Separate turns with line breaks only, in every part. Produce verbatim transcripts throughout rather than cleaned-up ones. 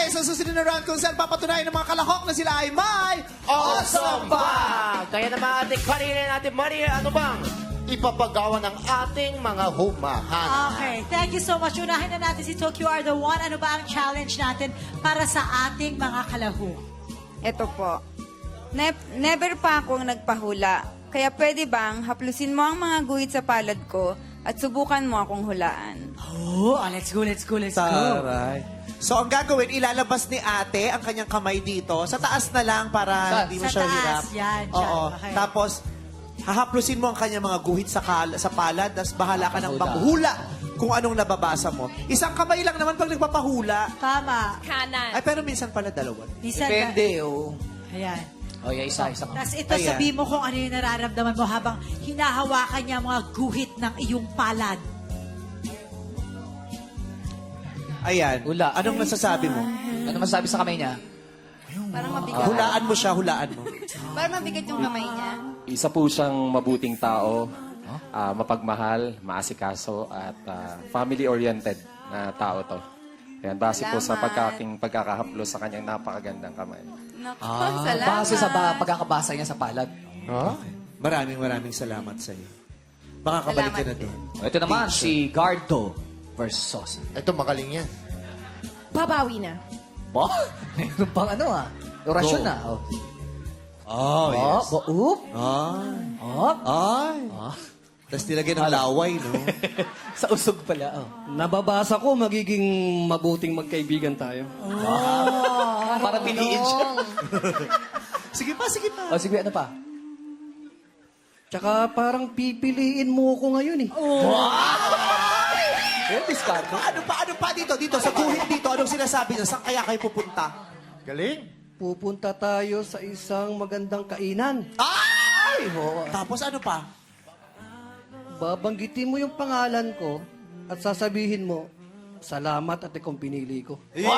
tayo sa susunod na round kung saan papatunayan ng mga kalahok na sila ay may
Awesome Bag! Kaya naman ating kanina natin, Maria, ano bang ipapagawa ng ating mga humahan?
Okay, thank you so much. Unahin na natin si Tokyo Are The One. Ano ba ang challenge natin para sa ating mga kalahok?
Ito po. Ne- never pa akong nagpahula. Kaya pwede bang haplusin mo ang mga guhit sa palad ko at subukan mo akong hulaan?
Oh, ah, let's go, let's go, let's go.
Taray. So, ang gagawin, ilalabas ni ate ang kanyang kamay dito. Sa taas na lang para
Sa-
hindi mo
sa
siya
taas,
hirap.
yan, dyan,
Oo.
okay.
Tapos, hahaplusin mo ang kanyang mga guhit sa, kal- sa palad, tapos bahala ka ng maghula kung anong nababasa mo. Isang kamay lang naman pag nagpapahula.
Tama.
Ay, pero minsan pala dalawa.
Minsan
Depende, oh.
Ayan.
O, yeah, isa, isa.
Tapos ito,
Ayan.
sabihin mo kung ano yung nararamdaman mo habang hinahawakan niya ang mga guhit ng iyong palad.
Ayan.
Hula.
Anong masasabi mo?
Ano masabi sa kamay niya?
Parang mabigat.
Ah, Hulaan mo siya, hulaan mo.
Parang mabigat yung kamay niya.
Isa po siyang mabuting tao, ah, mapagmahal, maasikaso, at ah, family-oriented na tao to. Ayan, base po sa
Salamat.
pagkaking pagkakahaplos sa kanyang napakagandang kamay.
Naku, salamat.
Base sa ba, pagkakabasa niya sa palad.
Maraming maraming salamat sa iyo. Makakabalik ka na
Salamat
doon.
Ito naman, si Gardo versus.
Ito, magaling yan.
Babawi na.
Ba? Mayroon pang ano ah. Orasyon
Go.
na. Oh.
Oh,
Oh,
yes.
ba, oop.
Ay.
Oh.
Ay.
Ah.
Tapos nilagyan ng laway, no?
Sa usog pala. Oh.
Nababasa ko, magiging mabuting magkaibigan tayo.
Para piliin siya.
Sige pa, sige pa.
O sige, ano pa?
Tsaka parang pipiliin mo ko ngayon eh.
Eh, discard.
Ano pa, ano pa dito? Dito, sa guhit dito, anong sinasabi niya? Saan kaya kayo pupunta?
Galing.
Pupunta tayo sa isang magandang kainan.
Ay! Tapos ano pa?
Babanggitin mo yung pangalan ko at sasabihin mo, salamat at ikong pinili ko.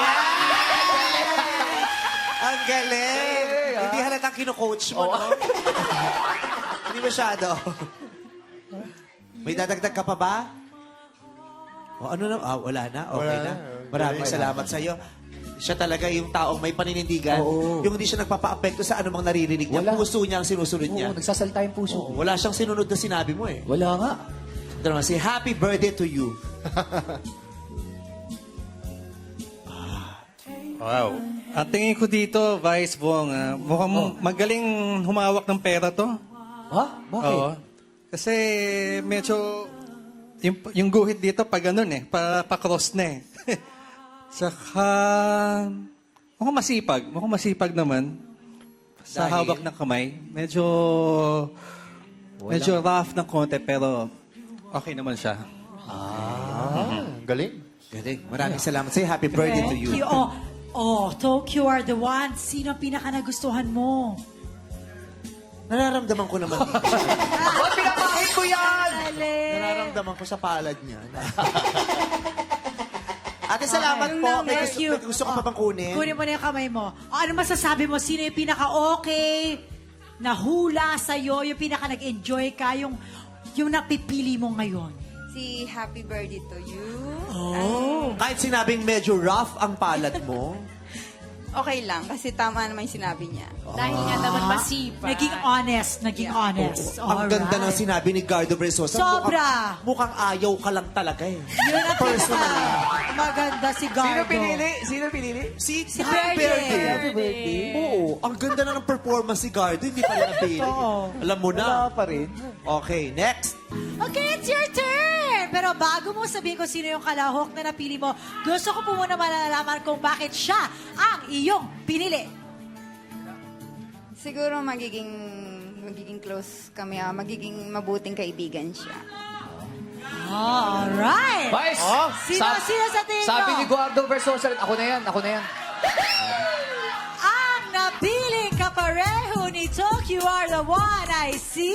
Ang galing! Hindi halatang kino-coach mo, no? Hindi masyado. May dadagdag ka pa ba? O ano na? Ah, wala na? Okay
Wala
na.
na.
Maraming salamat sa iyo. Siya talaga yung taong may paninindigan. Yung hindi siya nagpapa-apekto sa anumang naririnig niya.
Wala.
Puso niya ang sinusunod niya.
Oo, nagsasalita yung puso.
Oo, wala siyang sinunod na sinabi mo eh.
Wala nga.
Ito naman, say happy birthday to you.
Wow. Ang tingin ko dito, Vice Bong, ah, mukhang magaling humawak ng pera to.
Ha? Bakit?
Oo. Kasi medyo, yung, yung guhit dito pa ganun eh, pa, pa cross na eh. Saka, mukhang masipag. Mukhang masipag naman. Sa
Dahil?
hawak ng kamay. Medyo, medyo rough ng konti, pero okay naman siya.
Ah, galing.
Galing. Maraming salamat. Say happy birthday to
Thank
you.
you. Oh, oh, Tokyo Are The One. Sino ang pinaka nagustuhan mo?
Nararamdaman ko naman dito.
Ba't pinapakit mo yan?
Galing.
Nararamdaman ko sa palad niya. Ate, salamat po. May
Thank
gusto,
you.
may gusto ka pa bang kunin?
Kunin mo na yung kamay mo. O, ano masasabi mo? Sino yung pinaka-okay na hula sa'yo? Yung pinaka-nag-enjoy ka? Yung, yung napipili mo ngayon?
Si Happy Birthday to you.
Oh.
Kahit sinabing medyo rough ang palad mo,
Okay lang, kasi tama naman yung sinabi niya.
Dahil nga naman masipag.
Naging honest. Naging honest.
ang ganda ng
Alright.
sinabi ni Gardo Versosa.
Sobra.
Mukhang, mukhang ayaw ka lang talaga eh.
Yun ang pinaka maganda si Gardo.
Sino pinili? Sino pinili?
Si,
Si Birthday.
Happy birthday. Oo. Ang ganda na ng performance si Gardo. Hindi pala napili.
Oo.
Alam mo na.
Wala pa rin.
Okay, next.
Okay, it's your turn! Pero bago mo sabihin kung sino yung kalahok na napili mo, gusto ko po muna malalaman kung bakit siya ang iyong pinili.
Siguro magiging magiging close kami, ah, magiging mabuting kaibigan siya.
Alright!
Vice!
Sino, sino sa tingin mo?
Sabi ni Guardo versus. Ako na yan, ako na yan.
Ang napiling kapareho ni Tokyo Are The One ay si...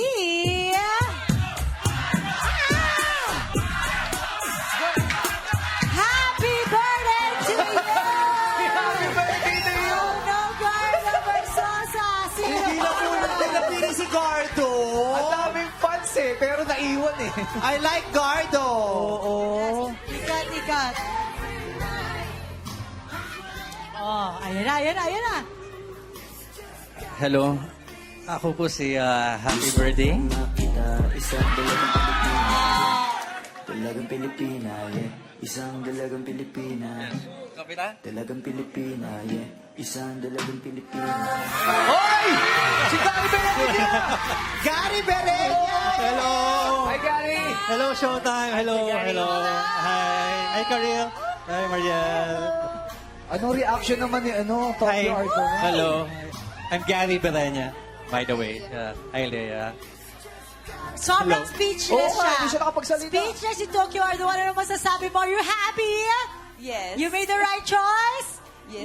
Happy birthday to you!
Happy birthday to you!
Oh no, Gardo Versosa! Sino
Hindi na po natin napili si Gardo.
Ang daming fans eh, pero naiwan eh.
I like Gardo.
Oo.
Ikat, ikat. Oh, ayan na, ayan na, ayan na.
Hello. Ako po si ah, Happy Birthday.
Kita isang dalagang Pilipina, dalagang Pilipina, yeah. Isang dalagang Pilipina,
Kapila?
dalagang Pilipina, yeah. Isang dalagang Pilipina.
Hoy! Si Gary Bereña!
Gary Bereña!
Hello! Hi, Gary!
Hello, Showtime. Hello, hello. Hi. Hi, Karil. Hi, Mariel.
Anong reaction naman ni ano, Tokyo Art mo?
Hello. I'm Gary Bereña, by the way. Uh, hi, Leia.
Sobrang
Hello.
speechless
Oo nga,
siya.
hindi siya nakapagsalita.
Speechless si Tokyo Ardo. Ano naman masasabi mo? Are you happy?
Yes.
You made the right choice?
Yes.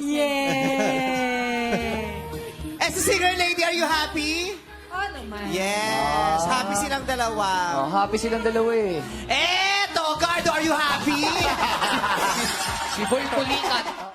Yay!
Eh, si singer lady, are you happy?
Oh, naman.
Yes. Happy silang dalawa.
Oh, happy silang dalawa eh.
Eto, Gardo, are you happy?
Si Boy Pulikat.